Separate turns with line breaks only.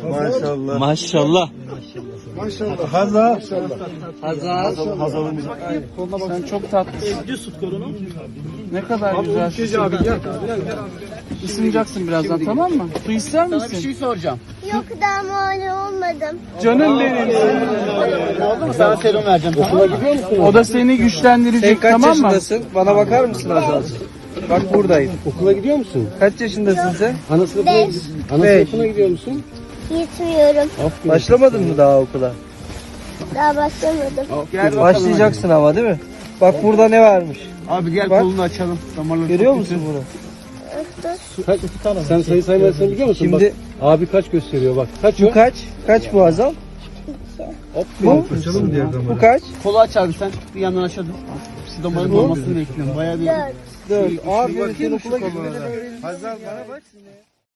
Maşallah.
Maşallah.
Maşallah. Hazal.
Hazal.
Sen çok tatlısın. Ne kadar güzelsin. Isınacaksın birazdan, tamam mı? Su ister misin?
Bir şey soracağım.
Yok, daha mağdur olmadım.
Canım benim.
Oldu mu? Sana serum vereceğim. Okula gidiyor musun?
O da seni güçlendirecek,
Kaç
tamam mı?
yaşındasın? Bana bakar mısın Hazal? Bak buradayım.
Okula gidiyor musun?
Kaç yaşındasın sen?
Ana sınıfına,
Beş.
sınıfına gidiyor musun?
Gitmiyorum.
Başlamadın mı daha okula?
Daha başlamadım.
Başlayacaksın ama değil mi? Bak burada ne varmış?
Abi gel
Bak.
kolunu açalım. Damarları
Görüyor
çok
musun bunu?
Sen sayı saymasını biliyor musun?
Şimdi-
Bak, abi kaç gösteriyor bak. Kaç
Bu
o?
kaç? Kaç bu Hazal? Bu? Bu kaç?
Kolu aç abi sen. Bir yandan aşağı dur. Damarın olmasını bekliyorum. Bayağı bir...
Dört.
4. Aferin sen okula gitmeden öğrenirsin.
Hazal bana bak.